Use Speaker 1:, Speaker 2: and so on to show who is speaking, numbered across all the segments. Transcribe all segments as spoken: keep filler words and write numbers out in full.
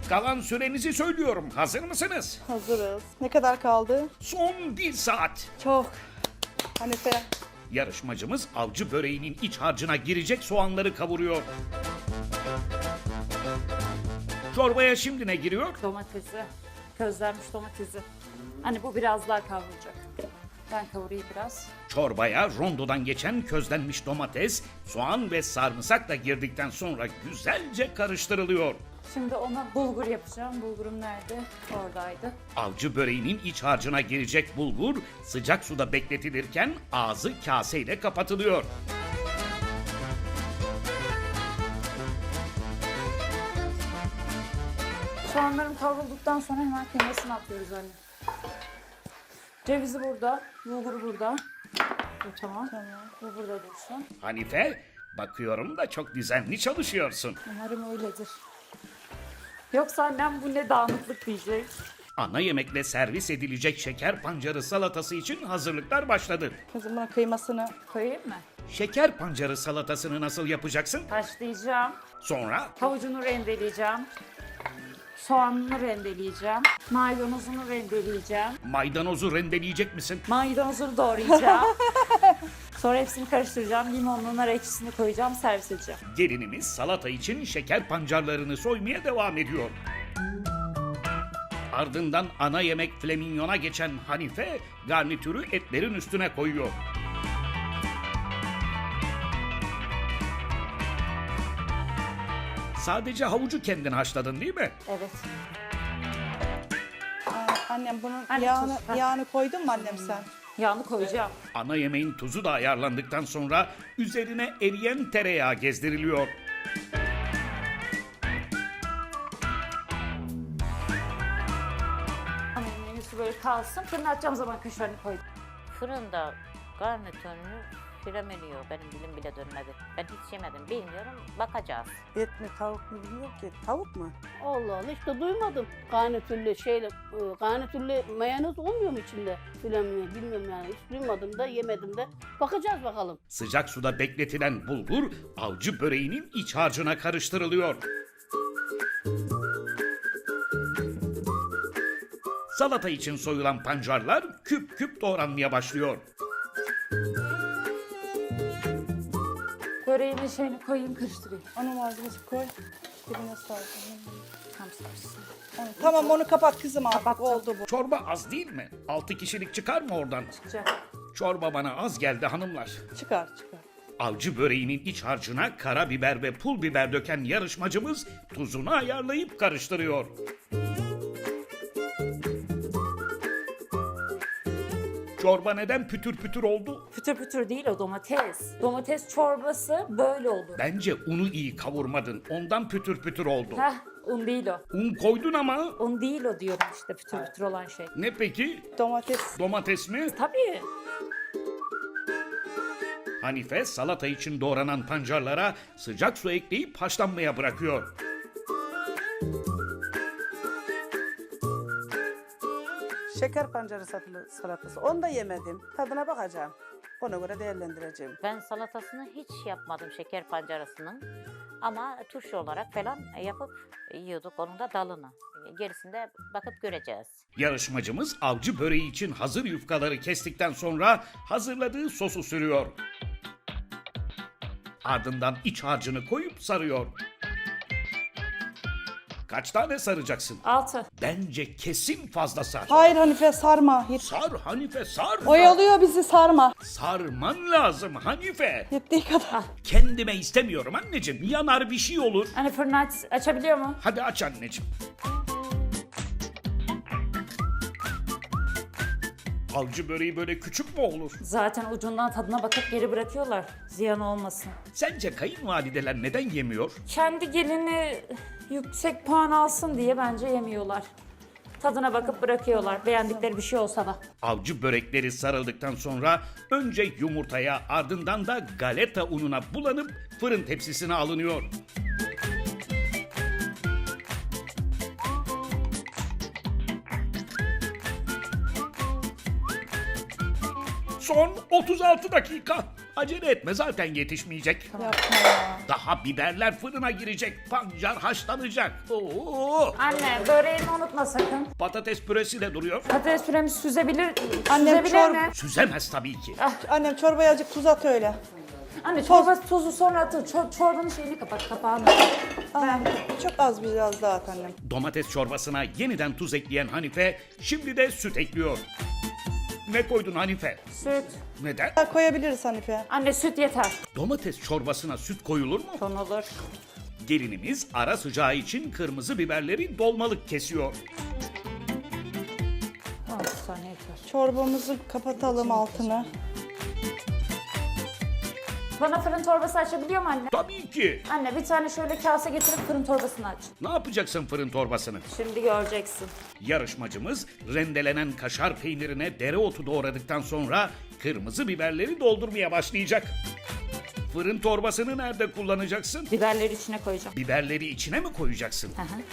Speaker 1: Kalan sürenizi söylüyorum. Hazır mısınız?
Speaker 2: Hazırız. Ne kadar kaldı?
Speaker 1: Son bir saat.
Speaker 2: Çok. Hanife.
Speaker 1: Yarışmacımız avcı böreğinin iç harcına girecek soğanları kavuruyor. Çorbaya şimdi ne giriyor?
Speaker 3: Domatesi, közlenmiş domatesi. Hani bu biraz daha kavrulacak. Ben kavurayım biraz.
Speaker 1: Çorbaya rondodan geçen közlenmiş domates, soğan ve sarımsak da girdikten sonra güzelce karıştırılıyor.
Speaker 3: Şimdi ona bulgur yapacağım. Bulgurum nerede? Oradaydı.
Speaker 1: Avcı böreğinin iç harcına girecek bulgur sıcak suda bekletilirken ağzı kaseyle kapatılıyor.
Speaker 3: Soğanlarım kavrulduktan sonra hemen kıymasını atıyoruz anne. Cevizi burada, bulguru burada. Bu tamam.
Speaker 2: Tamam.
Speaker 3: Bu burada dursun.
Speaker 1: Hanife, bakıyorum da çok düzenli çalışıyorsun.
Speaker 3: Umarım öyledir. Yoksa annem bu ne dağınıklık diyecek.
Speaker 1: Ana yemekle servis edilecek şeker pancarı salatası için hazırlıklar başladı.
Speaker 2: Kızım buna kıymasını.
Speaker 3: Koyayım mı?
Speaker 1: Şeker pancarı salatasını nasıl yapacaksın?
Speaker 3: Haşlayacağım.
Speaker 1: Sonra
Speaker 3: Havucunu rendeleyeceğim. Soğanını rendeleyeceğim. Maydanozunu rendeleyeceğim.
Speaker 1: maydanozu rendeleyecek misin?
Speaker 3: Maydanozunu doğrayacağım. Sonra hepsini karıştıracağım. Limonlu nar ekşisini koyacağım. Servis edeceğim.
Speaker 1: Gelinimiz salata için şeker pancarlarını soymaya devam ediyor. Ardından ana yemek flaminyona geçen Hanife garnitürü etlerin üstüne koyuyor. Sadece havucu kendin haşladın değil mi?
Speaker 3: Evet.
Speaker 2: Aa, annem bunun
Speaker 3: Anne,
Speaker 2: yağını,
Speaker 3: tuz, ha.
Speaker 2: yağını koydun mu annem sen?
Speaker 3: Yağını koyacağım.
Speaker 1: Ana yemeğin tuzu da ayarlandıktan sonra üzerine eriyen tereyağı gezdiriliyor.
Speaker 3: Ama menüsü böyle kalsın. Fırına atacağım zaman kaşarını koydum.
Speaker 4: Fırında garnitörünü flameliyor. Benim dilim bile dönmedi. Ben hiç yemedim. Bilmiyorum. Bakacağız.
Speaker 5: Et mi tavuk mu bilmiyorum ki. Tavuk mu?
Speaker 6: Allah Allah işte duymadım. Garnitürlü şeyle, e, garnitürlü mayonez olmuyor mu içinde? Filan bilmiyorum yani. Hiç duymadım da yemedim de. Bakacağız bakalım.
Speaker 1: Sıcak suda bekletilen bulgur avcı böreğinin iç harcına karıştırılıyor. Salata için soyulan pancarlar küp küp doğranmaya başlıyor.
Speaker 3: Böreğimin şeyini koyayım karıştırayım.
Speaker 2: Onun malzemesi koy. Dibine sar.
Speaker 3: Tam sarsın.
Speaker 2: Onu- Tamam onu kapat kızım artık.
Speaker 3: Kapattım.
Speaker 2: Oldu bu.
Speaker 1: Çorba az değil mi? Altı kişilik çıkar mı oradan?
Speaker 3: Çıkacak.
Speaker 1: Çorba bana az geldi hanımlar.
Speaker 2: Çıkar çıkar.
Speaker 1: Avcı böreğinin iç harcına karabiber ve pul biber döken yarışmacımız tuzunu ayarlayıp karıştırıyor. Çorba neden pütür pütür oldu?
Speaker 3: Pütür pütür değil o domates. Domates çorbası böyle olur.
Speaker 1: Bence unu iyi kavurmadın. Ondan pütür pütür oldu.
Speaker 3: Heh, un değil o.
Speaker 1: Un koydun ama.
Speaker 3: Un değil o diyorum işte pütür pütür olan şey.
Speaker 1: Ne peki?
Speaker 2: Domates.
Speaker 1: Domates mi?
Speaker 3: Tabii.
Speaker 1: Hanife salata için doğranan pancarlara sıcak su ekleyip haşlanmaya bırakıyor.
Speaker 5: Şeker pancarı satılı salatası. Onu da yemedim. Tadına bakacağım. Ona göre değerlendireceğim.
Speaker 4: Ben salatasını hiç yapmadım şeker pancarasının. Ama turşu olarak falan yapıp yiyorduk onun da dalını. Gerisinde bakıp göreceğiz.
Speaker 1: Yarışmacımız avcı böreği için hazır yufkaları kestikten sonra hazırladığı sosu sürüyor. Ardından iç harcını koyup sarıyor. Kaç tane saracaksın?
Speaker 3: Altı.
Speaker 1: Bence kesin fazla sar.
Speaker 2: Hayır Hanife sarma. Yet-
Speaker 1: Sar Hanife sar.
Speaker 2: Oyalıyor bizi sarma.
Speaker 1: Sarman lazım Hanife.
Speaker 2: Yettiği kadar.
Speaker 1: Kendime istemiyorum anneciğim. Yanar bir şey olur.
Speaker 3: Hani fırını aç, açabiliyor mu?
Speaker 1: Hadi aç anneciğim. Avcı böreği böyle küçük mü olur?
Speaker 3: Zaten ucundan tadına bakıp geri bırakıyorlar. Ziyan olmasın.
Speaker 1: Sence kayınvalideler neden yemiyor?
Speaker 3: Kendi gelini yüksek puan alsın diye bence yemiyorlar. Tadına bakıp bırakıyorlar. Beğendikleri bir şey olsa da.
Speaker 1: Avcı börekleri sarıldıktan sonra önce yumurtaya ardından da galeta ununa bulanıp fırın tepsisine alınıyor. Son otuz altı dakika. Acele etme zaten yetişmeyecek.
Speaker 2: Yapma ya.
Speaker 1: Daha biberler fırına girecek. Pancar haşlanacak. Oo!
Speaker 3: Anne böreğimi unutma sakın.
Speaker 1: Patates püresi de duruyor.
Speaker 3: Patates püremi süzebilir,
Speaker 2: Annem
Speaker 3: süzebilir
Speaker 2: çor-
Speaker 3: mi?
Speaker 1: Süzemez tabii ki.
Speaker 2: Annem çorbaya azıcık tuz at öyle.
Speaker 3: Anne çorba tuzu sonra atın. Çor- çorbanın şeyini kapat, kapağını.
Speaker 2: Annem çok az biraz daha at annem.
Speaker 1: Domates çorbasına yeniden tuz ekleyen Hanife şimdi de süt ekliyor. Ne koydun Hanife?
Speaker 3: Süt.
Speaker 1: Neden?
Speaker 2: Daha koyabiliriz Hanife.
Speaker 3: Anne süt yeter.
Speaker 1: Domates çorbasına süt koyulur mu?
Speaker 3: Konulur.
Speaker 1: Gelinimiz ara sıcağı için kırmızı biberleri dolmalık kesiyor.
Speaker 3: altı saniye yeter.
Speaker 2: Çorbamızı kapatalım altını.
Speaker 3: Bana fırın torbası açabiliyor mu anne?
Speaker 1: Tabii ki.
Speaker 3: Anne bir tane şöyle kase getirip fırın torbasını aç.
Speaker 1: Ne yapacaksın fırın torbasını?
Speaker 3: Şimdi göreceksin.
Speaker 1: Yarışmacımız rendelenen kaşar peynirine dereotu doğradıktan sonra kırmızı biberleri doldurmaya başlayacak. Fırın torbasını nerede kullanacaksın?
Speaker 3: Biberleri içine koyacağım.
Speaker 1: Biberleri içine mi koyacaksın?
Speaker 3: Hı hı.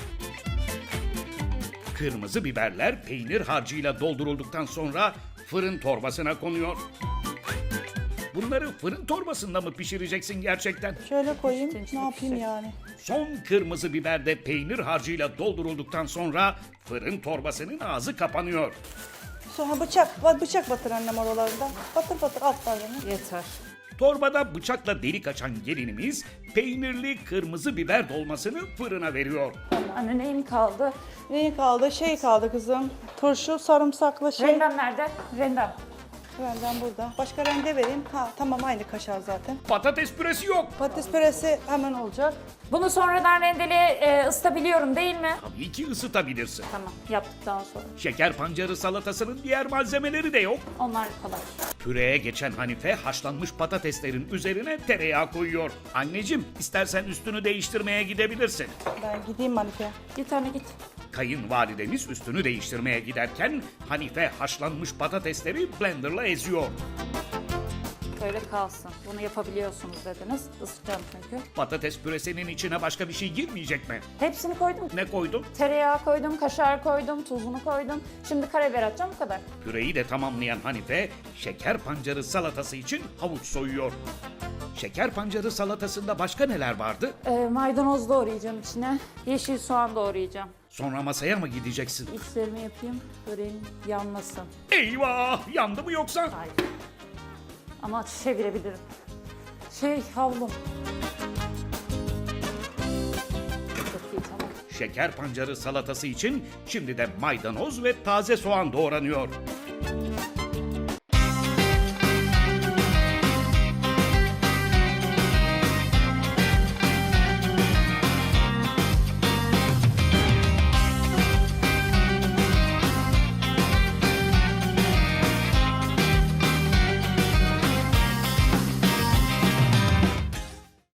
Speaker 1: Kırmızı biberler peynir harcıyla doldurulduktan sonra fırın torbasına konuyor. Bunları fırın torbasında mı pişireceksin gerçekten?
Speaker 2: Şöyle koyayım.
Speaker 3: İçine
Speaker 2: Ne
Speaker 3: içine
Speaker 2: yapayım
Speaker 3: pişecek.
Speaker 2: yani?
Speaker 1: Son kırmızı biber de peynir harcıyla doldurulduktan sonra fırın torbasının ağzı kapanıyor.
Speaker 2: Sonra bıçak, bıçak batır annem oralarında. Batır batır altlarını.
Speaker 3: Yeter.
Speaker 1: Torbada bıçakla delik açan gelinimiz peynirli kırmızı biber dolmasını fırına veriyor.
Speaker 3: Anne neyim kaldı?
Speaker 2: Neyi kaldı? Şey kaldı kızım. Turşu, sarımsaklı şey.
Speaker 3: Rendem nerede? Rendem.
Speaker 2: Benden burada. Başka rende vereyim. Ha tamam aynı kaşar zaten.
Speaker 1: Patates püresi yok.
Speaker 2: Patates püresi hemen olacak.
Speaker 3: Bunu sonradan rendeli e, ısıtabiliyorum değil mi?
Speaker 1: Tabii ki ısıtabilirsin.
Speaker 3: Tamam yaptıktan sonra.
Speaker 1: Şeker pancarı salatasının diğer malzemeleri de yok.
Speaker 3: Onlar kolay.
Speaker 1: Püreye geçen Hanife haşlanmış patateslerin üzerine tereyağı koyuyor. Anneciğim istersen üstünü değiştirmeye gidebilirsin.
Speaker 2: Ben gideyim Hanife.
Speaker 3: Git anne git.
Speaker 1: Kayınvalidemiz üstünü değiştirmeye giderken Hanife haşlanmış patatesleri blenderla eziyor.
Speaker 3: Böyle kalsın. Bunu yapabiliyorsunuz dediniz. Isıtacağım çünkü.
Speaker 1: Patates püresinin içine başka bir şey girmeyecek mi?
Speaker 3: Hepsini koydum.
Speaker 1: Ne koydun?
Speaker 3: Tereyağı koydum, kaşar koydum, tuzunu koydum. Şimdi karabiber atacağım bu kadar.
Speaker 1: Püreyi de tamamlayan Hanife şeker pancarı salatası için havuç soyuyor. Şeker pancarı salatasında başka neler vardı?
Speaker 3: Ee, maydanoz doğrayacağım içine. Yeşil soğan doğrayacağım.
Speaker 1: Sonra masaya mı gideceksin?
Speaker 3: İçlerimi yapayım. Böreğim yanmasın.
Speaker 1: Eyvah! Yandı mı yoksa?
Speaker 3: Hayır. Ama çevirebilirim. Şey havlum. Çok iyi tamam.
Speaker 1: Şeker pancarı salatası için şimdi de maydanoz ve taze soğan doğranıyor.